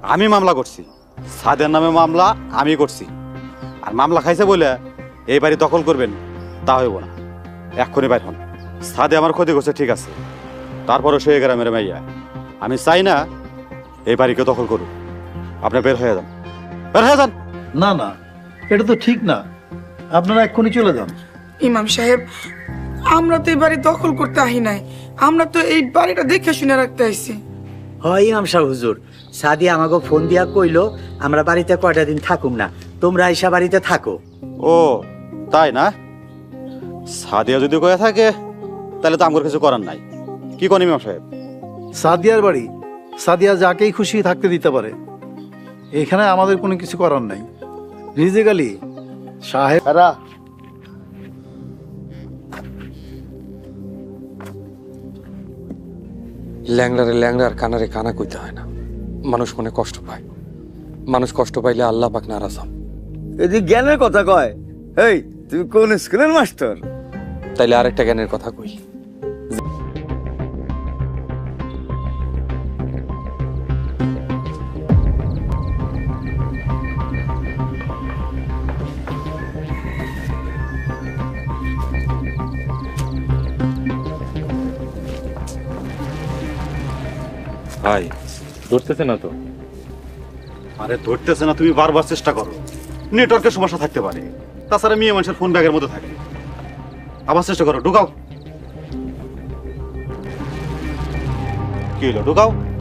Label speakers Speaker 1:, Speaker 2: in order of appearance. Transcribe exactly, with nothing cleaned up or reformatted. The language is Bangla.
Speaker 1: আমি মামলা করছি, সাদের নামে মামলা আমি করছি। আর মামলা খাইছে বলে এই বাড়ি দখল করবেন তা হইব না। এক্ষুনি বাইর হন। সাদে আমার ক্ষতি করছে ঠিক আছে, তারপরও সে গ্রামের মাইয়া। আমি চাই না এই বাড়িকে দখল করুক। আপনি বের হয়ে যান, বের হয়ে যান।
Speaker 2: না না, এটা তো ঠিক না, আপনারা এক্ষুনি চলে যান।
Speaker 3: ইমাম সাহেব, আমরা তো এই বাড়ি দখল করতে আহি নাই, আমরা তো এই বাড়িটা দেখে শুনে রাখতে আইছি।
Speaker 4: হয় ইমাম সাহেব হুজুর, সাদি আমাকে ফোন দিয়া কইলো আমরা বাড়িতে কয়টা দিন থাকুম না, তোমরা আইসা বাড়িতে থাকো।
Speaker 1: ও তাই না? সাদিয়া যদি কয়ে থাকে তাহলে তো আমার কিছু করার নাই। কি করেন ইমাম সাহেব?
Speaker 2: সাদিয়ার বাড়ি, সাদিয়া যাকেই খুশি থাকতে দিতে পারে, এখানে আমাদের কোনো কিছু করার নাই। রিজিক আলী সাহেব,
Speaker 5: ল্যাংড়ারে ল্যাংড়ার কানারে কানা কইতে হয় না। মানুষ মনে কষ্ট পায়, মানুষ কষ্ট পাইলে আল্লাহ পাক নারাজ হন।
Speaker 6: এই যে জ্ঞানের কথা কয়, এই তুমি কোন স্কুলের মাস্টার?
Speaker 5: তাইলে আরেকটা জ্ঞানের কথা কই।
Speaker 1: ভাই
Speaker 7: ধরতেছে না তো।
Speaker 1: আরে ধরতেছে না, তুমি বারবার চেষ্টা করো। নেটওয়ার্কের সমস্যা থাকতে পারে, তাছাড়া মেয়ে মানুষের ফোন ব্যাগের মধ্যে থাকে। আবার চেষ্টা করো, ঢুকাও। কি হলো, ঢুকাও।